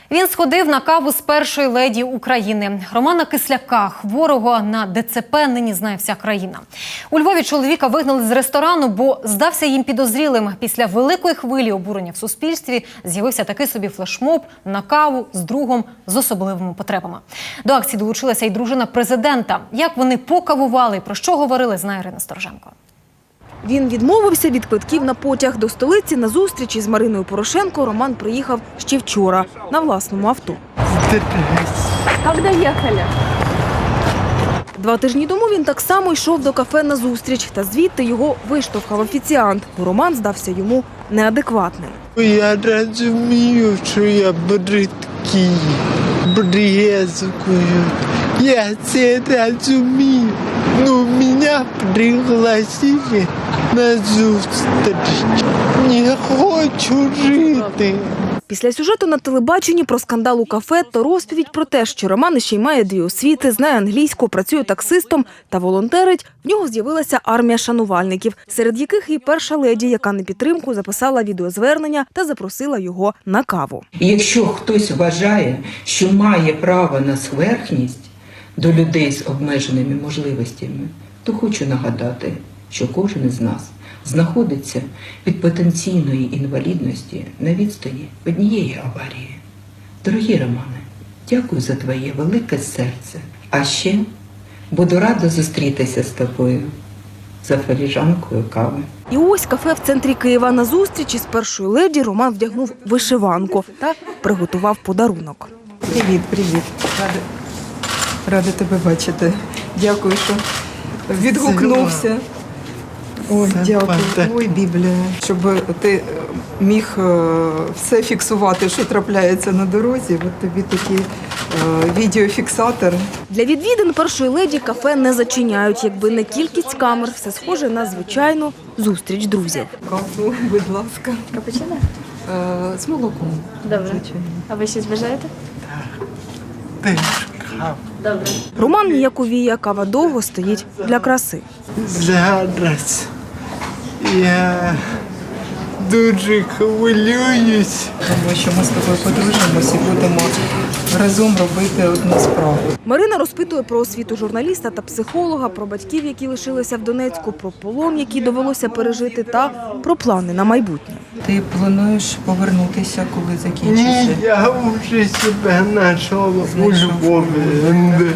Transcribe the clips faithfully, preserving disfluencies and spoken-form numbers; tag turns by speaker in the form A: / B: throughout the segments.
A: Він сходив на каву з першої леді України. Романа Кисляка, хворого на Де Це Пе, нині знає вся країна. У Львові чоловіка вигнали з ресторану, бо здався їм підозрілим. Після великої хвилі обурення в суспільстві з'явився такий собі флешмоб на каву з другом з особливими потребами. До акції долучилася й дружина президента. Як вони покавували і про що говорили, знає Ірина Стороженко.
B: Він відмовився від квитків на потяг. До столиці на зустріч із Мариною Порошенко Роман приїхав ще вчора на власному авто.
C: Як доїхали?
B: Два тижні тому він так само йшов до кафе на зустріч, та звідти його виштовхав офіціант, бо Роман здався йому неадекватним.
D: Я розумію, що я бридкий, брезгую. Я це розумію. Ну, мене пригласили на зустріч. Не хочу жити.
B: Після сюжету на телебаченні про скандал у кафе та розповідь про те, що Роман ще й має дві освіти, знає англійську, працює таксистом та волонтерить, в нього з'явилася армія шанувальників, серед яких і перша леді, яка на підтримку записала відеозвернення та запросила його на каву.
E: І якщо хтось вважає, що має право на зверхність до людей з обмеженими можливостями, то хочу нагадати, що кожен із нас знаходиться від потенційної інвалідності на відстані однієї аварії. Дорогі Романе, дякую за твоє велике серце. А ще буду рада зустрітися з тобою за філіжанкою кави.
B: І ось кафе в центрі Києва. На зустрічі з першою леді Роман вдягнув вишиванку та приготував подарунок.
F: Привіт, привіт. Рада, рада тебе бачити. Дякую, що відгукнувся. Ой, дякую. Ой, Біблія. Щоб ти міг все фіксувати, що трапляється на дорозі. От тобі такий відеофіксатор.
B: Для відвідин першої леді кафе не зачиняють. Якби не кількість камер, все схоже на звичайну зустріч друзів.
F: Каву, будь ласка.
C: Капучино?
F: З молоком.
C: Добре.
F: Звичайно.
C: А ви щось бажаєте?
D: Теж кава.
C: Добре.
B: Роман ніяковіє, кава довго стоїть для краси.
D: Зараз я дуже хвилююсь.
F: Тому що ми з тобою подружимося і будемо разом робити одну справу.
B: Марина розпитує про освіту журналіста та психолога, про батьків, які лишилися в Донецьку, про полон, який довелося пережити, та про плани на майбутнє.
F: Ти плануєш повернутися, коли
D: Ні,
F: закінчишся?
D: я вже себе знайшов у Львові.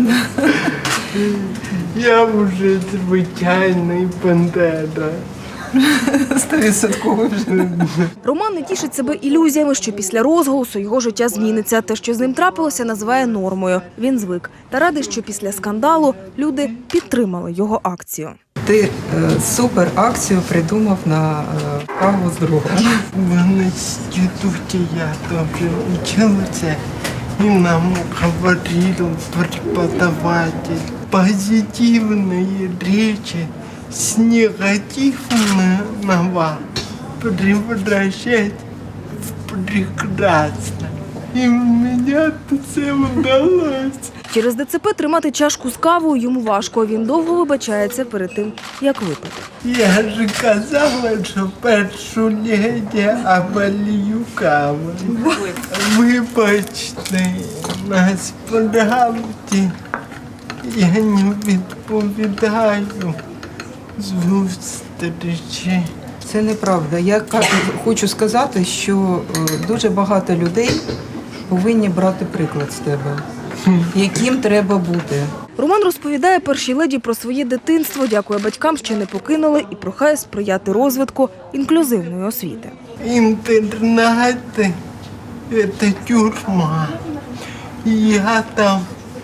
D: Я вже звичайний бандера.
F: Стовідсотково вже.
B: Роман не тішить себе ілюзіями, що після розголосу його життя зміниться. Те, що з ним трапилося, називає нормою. Він звик. Та радий, що після скандалу люди підтримали його акцію.
F: Ти е, супер акцію придумав на е, каву з другом.
D: В институте я тоже учился, и нам говорил преподаватель позитивные речи с негативного превращать в прекрасно. И у меня все удалось.
B: Через Де Це Пе тримати чашку з кавою йому важко. Він довго вибачається перед тим, як випити.
D: Я же казала, що першу леді оболію каву. Вибачте, насправді я не відповідаю зустрічі.
F: Це неправда. Я кажу, хочу сказати, що е, дуже багато людей повинні брати приклад з тебе, яким треба бути.
B: Роман розповідає першій леді про своє дитинство, дякує батькам, що не покинули, і прохає сприяти розвитку інклюзивної освіти.
D: Інтернат – це тюрма. Я там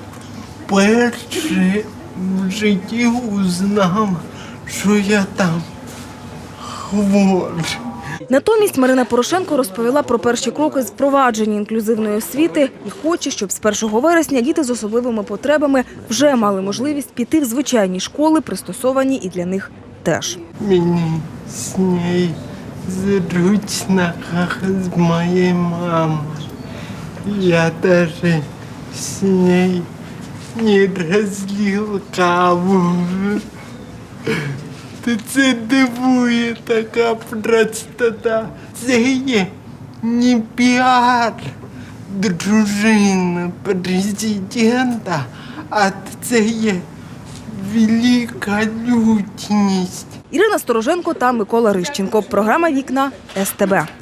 D: перше в житті узнав, що я там хворий.
B: Натомість Марина Порошенко розповіла про перші кроки з впровадження інклюзивної освіти і хоче, щоб з першого вересня діти з особливими потребами вже мали можливість піти в звичайні школи, пристосовані і для них теж.
D: Мені з нею зручно, як з моєю мамою. Я навіть з нею не розлив каву. Це дивує така простота. Це є не піар дружина президента, а це є велика людяність.
B: Ірина Стороженко та Микола Рищенко. Програма «Вікна» ес те бе.